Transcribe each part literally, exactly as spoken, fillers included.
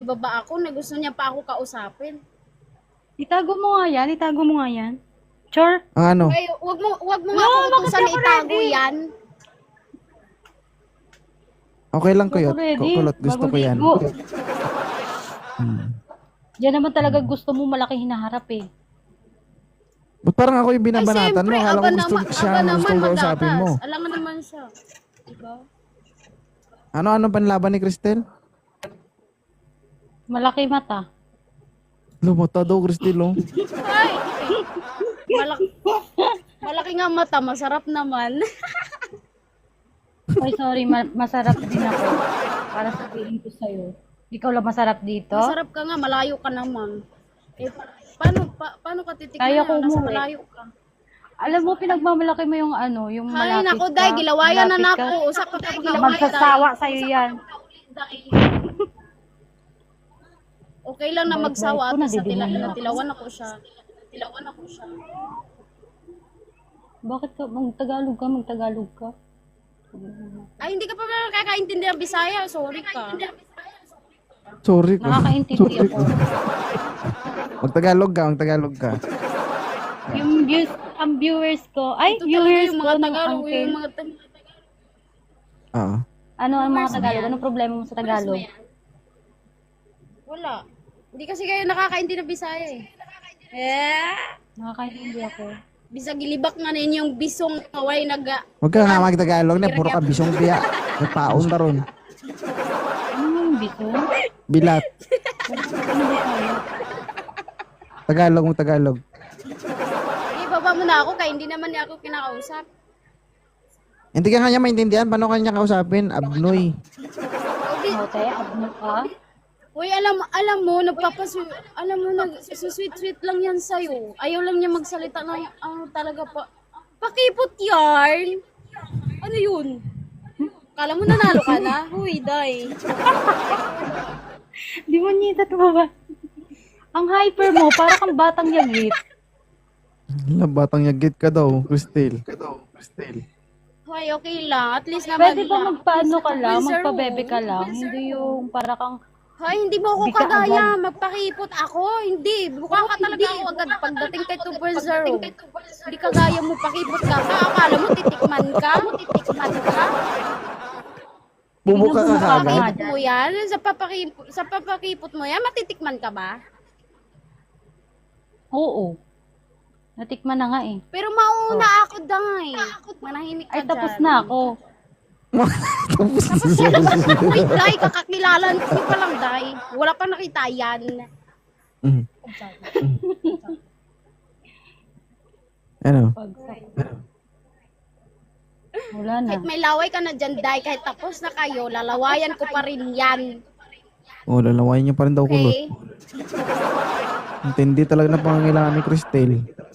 ibaba ako na gusto niya pa ako kausapin. Itago mo nga yan, itago mo nga yan. Char. Ang ano? Ay, wag mo wag mo No, nga ako bakit utusan na ako itago ready? yan. Okay lang, Kuyot. Ready? Kulot, gusto ko yan. Bago ligo. Hmm. Diyan naman talaga gusto mo malaki hinaharap eh. Ba't parang ako yung Ay, binabanatan mo? siyempre, Akala ko aba gusto naman, siya aba ang naman gusto ko kausapin mo. magatas. Alam nga naman siya. Diba? Ano-ano panlaban ni Cristel? Malaki mata. Lumata daw, Cristel, oh. Ay! Malaki, malaki nga mata, masarap naman. Ay, sorry, ma- masarap din ako. Para sabihin ko sa'yo. Ikaw lang masarap dito? Masarap ka nga, malayo ka naman. Eh, paano, pa, paano ka titignan Kaya ko yan? Nasa umuwi. malayo ka. Alam mo, pinagmamalaki mo yung ano, yung Hay, malapit nako, ka. day, gilawayan na malapit ka. nako. Usap ka pa Magsasawa sa'yo yan. Okay lang na Bait-bait magsawa ko, at sa tila, nadidinig ako. natilawan ako siya. Natilawan ako siya. Bakit ka? Magtagalog ka, magtagalog ka. Ay, hindi ka pa ba nakakaintindi ng Bisaya? Sorry ka. Sorry ko. Nakakaintindi ako. Magtagalog ka, magtagalog ka. Yung views, ang viewers ko, ay, Ito talaga viewers yung ko mga ng Tagalog, uncle. yung mga Tagalog. Oo. Ano ang mga Tagalog? Anong problema mo sa Tagalog? Wala. Hindi kasi kayo nakakaintindi ng Bisaya eh. Eh? Nakakaintindi ako. Bisag ilibak nga ninyong bisong away naga. Huwag ka nga magtagalog na, puro ka bisong biya. Nagpaon ka ron. Ano yung bito? Bilat. Ano ba tayo? Tagalog mo, Tagalog. Ibaba mo na ako kaya hindi naman niya ako kinakausap. Hindi ka nga niya maintindihan, paano ka niya kausapin? Abnoy. Hote, abno ka? Uy, alam alam mo, nagpapasu... Alam mo, nag-sweet-sweet lang yan sa'yo. Ayaw lang niya magsalita ng ano talaga pa. Pakipot yarn! Ano yun? Kala mo nanalo ka na? Huy, day. Di mo nita to ba? Ang hyper mo, para kang batang yagit. Hala, batang yagit ka daw, Cristel. Hoy, okay lang. At least naman. Pwede ba magpaano ka lang, Sir, magpabebe ka oh. lang? Hindi yung para kang, Hoy, hindi mo ako Hindi ka kagaya. agad. Magpakipot ako. Hindi. Mukha ka talaga ako agad pagdating kay two point oh. Hindi kagaya mo pakipot ka pa. Akala mo titikman ka? Titikman ka? Bubuka ka Binubuka ka kagad. nga. Pakipot mo yan? Sa papakipot, sa papakipot mo yan, matitikman ka ba? oo. Natikman na nga eh. Pero mauna ako, Day. Manahimik ka Ay, tapos dyan. na ako. Tapos Tapos yan. Uy, Day, kakakilalan ko pa lang, Day. Wala pa nakita yan. Mm. Ano? Pagsak. Wala na. Kahit may laway ka na dyan, Day, kahit tapos na kayo, lalawayan ko pa rin yan. Oh, lalawain niya pa rin daw kulot. Okay? Intindi talaga na pangangailangan ni Cristel.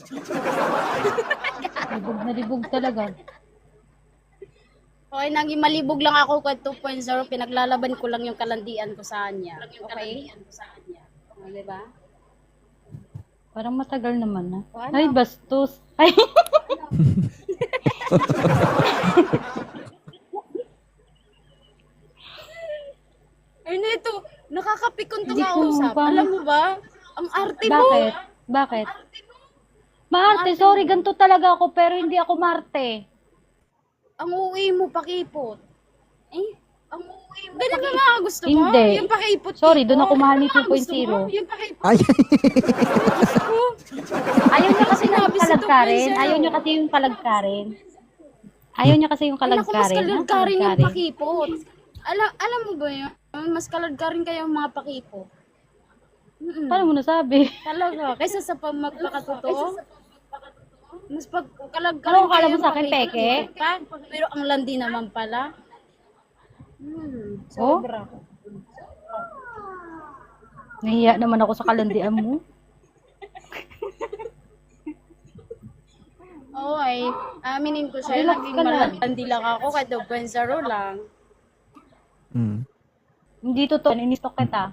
Libog na libog talaga. Okay, naging malibog lang ako kay two point oh. Pinaglalaban ko lang yung kalandian ko sa kanya. Okay? O, diba? Parang matagal naman na. O, ano? Ay, bastos. Ay, Ay, nito, nakakapikon to Hindi ko kausap. pa- Alam mo ba? Ang arte mo. bakit? Bakit? Marte, sorry, ganito talaga ako, pero hindi ako Marte. Ang uwi mo, pakipot. Eh? Ang uwi mo, ganun ba mga gusto mo? Hindi. Yung pakipot. Sorry, tipo. doon ako mahal ni Ano ba two point gusto mo? oh. Yung pakipot. Ay! ko. Ayaw niya kasi ng Sinabi sa kalagkarin. two point oh. Ayaw niya kasi yung kalagkarin. Ayaw niya kasi yung Ay, naku, mas kalagkarin. Ha? kaladkarin yung Kalagkarin. pakipot. Alam, alam mo ba yun? Mas kaladkarin kayo yung mga pakipot. Mm-mm. Paano mo nasabi? Talaga, kaysa sa pag magpakatotoo, mas pag kalagkarin Ano, akala mo yung sa akin, pakipot, peke? pa, pero ang landi naman pala. Hmm, Oh? sobra. Nahiya naman ako sa kalandian mo. Oo ay, aminin ko siya, Relax naging ka lang. malandi lang ako kahit two point oh lang. Hmm. Hindi totoo. Inistok kita.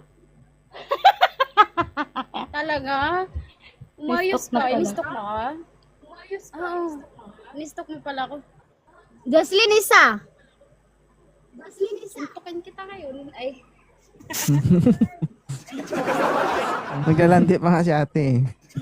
Talaga? Umayos Nistok na ka, pala. inistok na ka? Umayos ka. Oo, inistok mo pala ako. Jocelyn isa! Jocelyn isa! Intokin kita ngayon. Ay. Naglalandi pa nga si ate eh.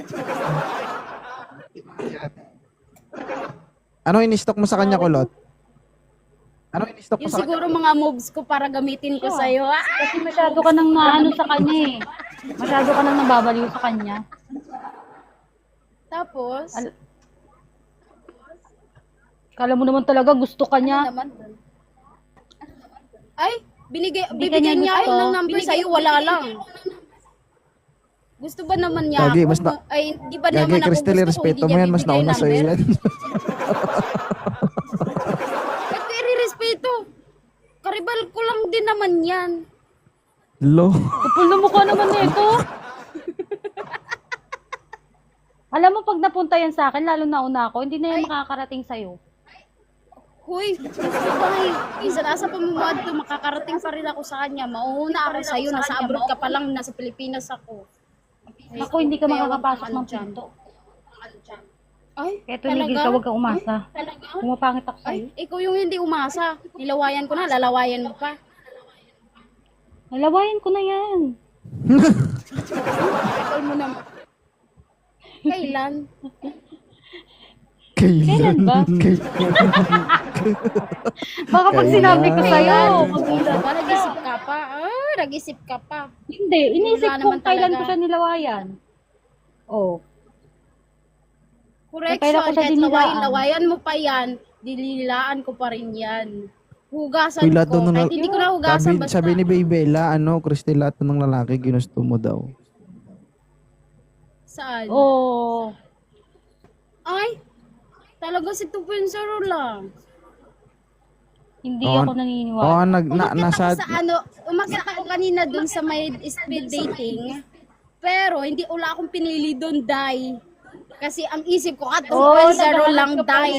Ano in-stock mo sa kanya, kulot? Ano in-stock mo Yung sa kanya? siguro mga moves ko para gamitin ko sa'yo. Ah! Kasi masyado ka nang naano sa kanya eh. Masyado ka nang nababaliw sa kanya. Tapos, Al- Kala mo naman talaga gusto ka ano niya. naman? Ay, binigay, Hindi ka bibigyan niya niya ako gusto. ng number sa'yo, wala lang. Gusto ba naman niya Gagi, ako? basta- Ay, di ba naman Gagi, ako Cristel, gusto kung respeto hindi mo niya yan. Mas bibigay nauna sa'yo number? yan. Ba't ko i-respeto? Karibal ko lang din naman yan. Lo. Kapul na mukha naman nito. Alam mo, pag napunta yan sa akin, lalo na una ako, hindi na yan makakarating sa'yo. Huy, gusto ba eh. Isa nasa pamumuad to, makakarating pa rin ako sa kanya. Mauuna ako sa'yo, nasa abroad ka pa lang, nasa Pilipinas ako. Ako, hindi ka Kaya makakapasok wag ng ka dyan. pinto. Ay, Kaya tumigil ka, huwag kang umasa. Talaga? Pumapangit ako sa'yo. Ay, ikaw yung hindi umasa. Nilawayan ko na, lalawayan mo pa. Nalawayan ko na yan. Kapal mo naman. Kailan? Kailan ba? Baka pag sinabi ko sa'yo, magulat Ba, nag-isip ka pa? Ah, nag-isip ka pa. Hindi, inisip Wala ko naman kailan talaga. ko siya nilawayan. Oh. Correction, Kailan ko siya kahit dinilaan? lawayan, lawayan mo pa yan, dinilaan ko pa rin yan. Hugasan Uy, lahat ko. daw ng Kahit lal- hindi ko na hugasan, Sabi, basta. sabi ni Baybella, ano, Cristel, lahat ng lalaki ginusto mo daw. Saan? Oh. Ay, talaga si two point oh lang. Hindi Oo, ako naniniwala. Oo, nag, na, Umakyat nasa, ako sa ano, umakyat ako kanina dun sa may speed dating. Pero hindi wala akong pinili dun, Dai. Kasi ang isip ko, ah, two point oh lang, Dai.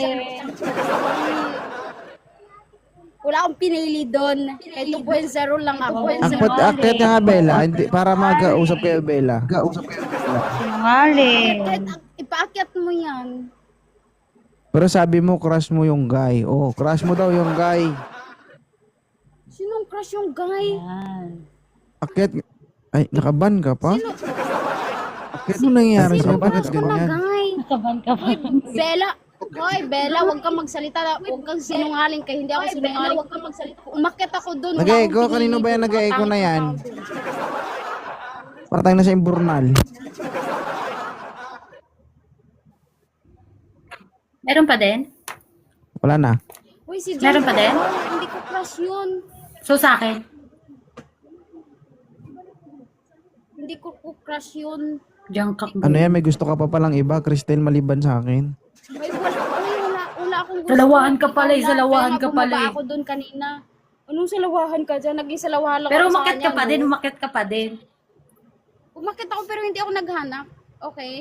Wala akong pinili dun. Kaya two point oh lang ako. akpat, akit nga Bella, hindi, para mag-usap kayo, Bella. Mag-usap kayo, Bella. Sinungaling. Kahit ipaakyat mo yan. Pero sabi mo, crush mo yung guy. Oh, crush mo daw yung guy. Sinong crush yung guy? Yan. Akit, ay, nakaban ka pa? Akit, ano nangyayari sa'yo? Bakit Crush ko na ganyan? guy. Nakaban ka pa. Bella, hoy, Bella, huwag kang magsalita. Huwag kang sinungaling kay hindi ako sinungaling. Huwag kang magsalita. Umakyat ako doon. Nag-echo? Kanino ba yan nag-echo na yan? Parang na sa imburnal. Meron pa din? Wala na. Uy, si John, Meron pa din? hindi ko crush yun. So sa akin? Hindi ko ko crush yun. Diyan ka. Ano yan? May gusto ka pa palang iba, Cristel, maliban sa akin. Ay, wala, ay, wala, wala akong gusto. Salawahan ka pala eh, Ikaw lang, salawahan kaya nga ka pala bumaba eh. ako doon kanina. Anong salawahan ka dyan? Naging salawahan lang Pero ako sa umakyat ka kanya, pa no? din, umakyat ka pa din. Umakyat ako pero hindi ako naghanap. Okay?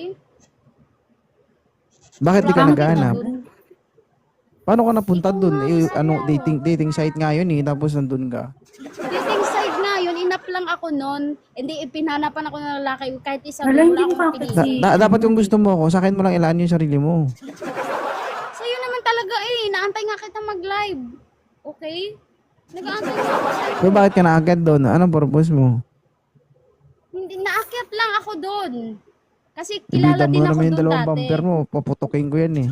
Bakit di ka Wala akong naghahanap? kita dun. Paano ka napunta Ikaw dun? nga, Eh, sana. ano, dating dating site nga yun eh, tapos nandun ka. Dating side na yun, inap lang ako noon. Hindi, ipinanapan ako ng lalaki kahit isang Wala, wala hindi akong mo pa- pinili. Da- da- dapat kung gusto mo ako, sa akin mo lang ilaan yung sarili mo. Sa'yo naman talaga eh, naantay nga kita mag-live. Okay? Nag-aantay nga ako sa'yo. Pero bakit ka naagad doon? Anong purpose mo? Hindi, naakyat lang ako doon. Kasi kilala Ibida mo din na ako naman yung doon dalawang dati. bumper mo, paputukin ko yan eh.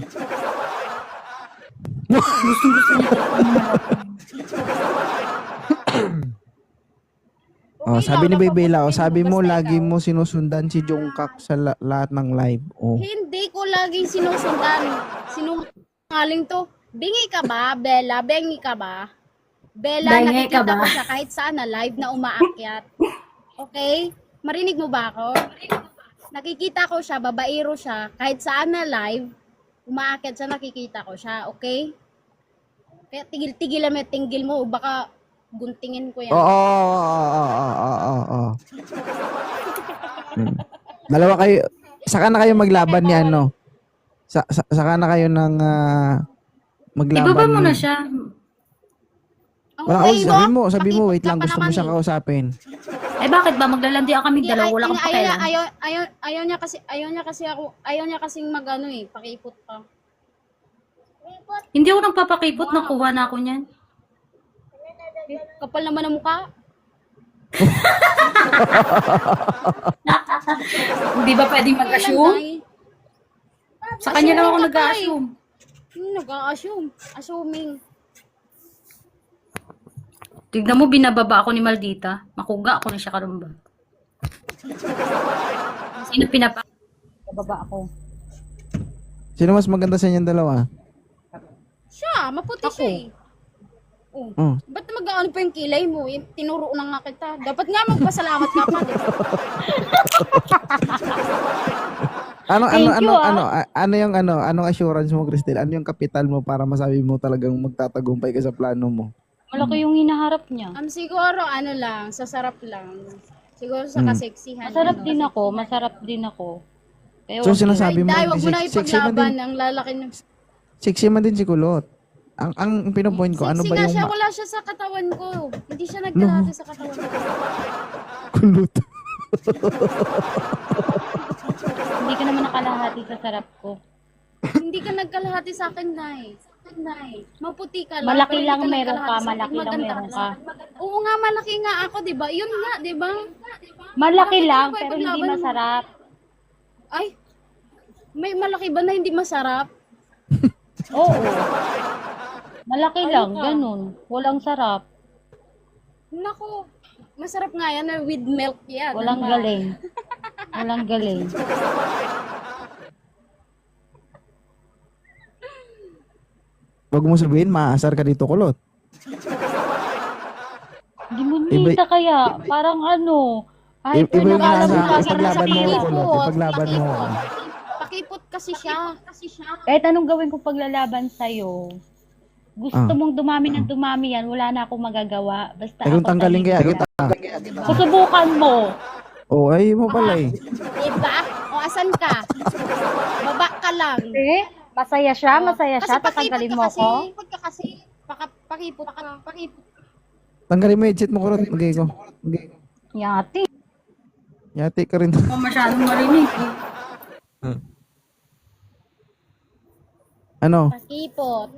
Oh, Okay sabi ni lang, Baybella, oh, napaputukin sabi mo basta lagi ikaw. mo sinusundan si Jungkook sa la- lahat ng live. Oh. Hindi ko laging sinusundan. Sinungaling to. Bingi ka ba, Bella? Bengi ka ba? Bella, Bengi ka nakikita ba? ko siya kahit saan na live na umaakyat. Okay? Marinig mo ba ako? Nakikita ko siya, babaero siya, kahit saan na live, umaakyat siya, nakikita ko siya. Okay? Kaya tigil-tigilan mo, tinggil mo, baka guntingin ko yan. Oo, oo, oo, oo, oo, oo, oo. Hmm. Dalawa kayo, saka na kayo maglaban ni ano? Sa, sa, saka na kayo ng ah, maglaban Ibaba mo ni- na siya. Ang Wala, okay sabi mo, sabi mo, pakipot wait ka lang, pa gusto mo naman siya eh. kausapin. Eh bakit ba? Maglalandian kami Hindi, dalawa, ay- wala kang ayaw, niya, pakialam. ayaw, ayaw, ayaw niya kasi, ayaw niya kasi ako, ayaw niya kasing magano eh, pakipot pa. Hindi ako nagpapakipot, nakuha na ako niyan. Kapal naman ang mukha. Hindi ba pwedeng mag-assume? Nay. Sa kanya lang ako Assume ka, nag-assume. Hmm, nag-a-assume. Assuming. Tignan mo, binababa ako ni Maldita. Makuga ako na siya karumba. Sino pinapa? Bababa ako. Sino mas maganda sa inyong dalawa? Siya, maputi Ako. siya eh. Oh. Oh. Ba't mag-ano pa yung kilay mo? Yung tinuro na nga kita. Dapat nga magpasalamat ka pa, di ba? Ano ano Thank ano you, ah. ano a- ano yung ano anong assurance mo, Cristel? Ano yung kapital mo para masabi mo talagang magtatagumpay ka sa plano mo? Malaki yung hinaharap niya. Um, siguro, ano lang, sa sarap lang. Siguro sa Hmm. kaseksihan. Masarap ano. din ako, masarap din ako. Kaya So wag- sinasabi mo Ay, wag mo na sexy, sexy man ipaglaban din, ng lalaki ng... sexy man din si Kulot. Ang ang pinopoint ko, ano Sexy ba nga yung siya, ma- wala siya sa katawan ko. Hindi siya nagkalate sa katawan ko. Kulot? Hindi ka naman nakalahati sa sarap ko. Hindi ka nagkalahati sa akin, Nay. Nay, maputi ka lang. Malaki pero lang hindi meron nagkalahati ka, sa akin. malaki lang Maganda meron ka. Oo nga, malaki nga ako, di ba? Yun nga, di ba? Malaki Bakit lang, ano ba pero hindi ipaglaban mo? masarap. Ay, may malaki ba na hindi masarap? Oo. Malaki Ayun lang, ka. ganun. Walang sarap. Naku, masarap nga yan, na with milk yan. Walang diba? galing. Walang galing. Wag mo sabihin maasar ka dito, Kulot. Hindi mo Iba- nita kaya. Parang ano. Ay, I- iba yung alam nasa- mo, ipaglaban mo, pakipot. Kulot. Ipaglaban mo. Pakipot kasi siya. Kasi siya. Kahit anong gawin ko paglalaban sa'yo, gusto Ah. mong dumami ng dumami yan, wala na akong magagawa. Basta Eh kung ako tanggalin kaya, tahimik kita. lang. Susubukan mo. Oh, ay mo pala eh. Diba? O, asan ka? Baba ka lang. Eh, masaya siya, masaya Kasi siya. pakipot Tatanggalin ka mo kasi. ako. Pakipot ka kasi. Paka, pakipot ka. Pakipot. Tanggalin mo yung headset mo, Kulot. Magay ko. Magay ko. Yati. Yati ka rin. Hindi mo masyadong marinig. Ano? Pakipot.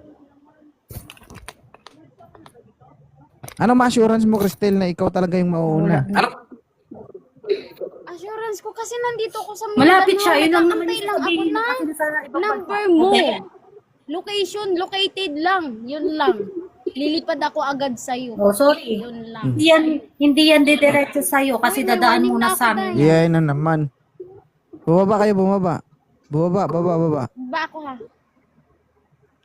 Ano ma-assurance mo, Cristel, na ikaw talaga yung mauuna? Assurance ko kasi nandito ako sa Malapit Mindanao. siya, yun lang naman Nag-aantay yung lang ako sabihin. na Kasi sa ibang number bansa. mo. Location, located lang. Yun lang. Lilipad ako agad sa'yo. Oh, sorry. Yun lang. Hindi yan, hindi yan didiretso sa'yo kasi Uy, may dadaan warning muna na ako, sa amin. Day. Yeah, na naman. Bumaba kayo, bumaba. Bumaba, baba, baba. Ba ako ha?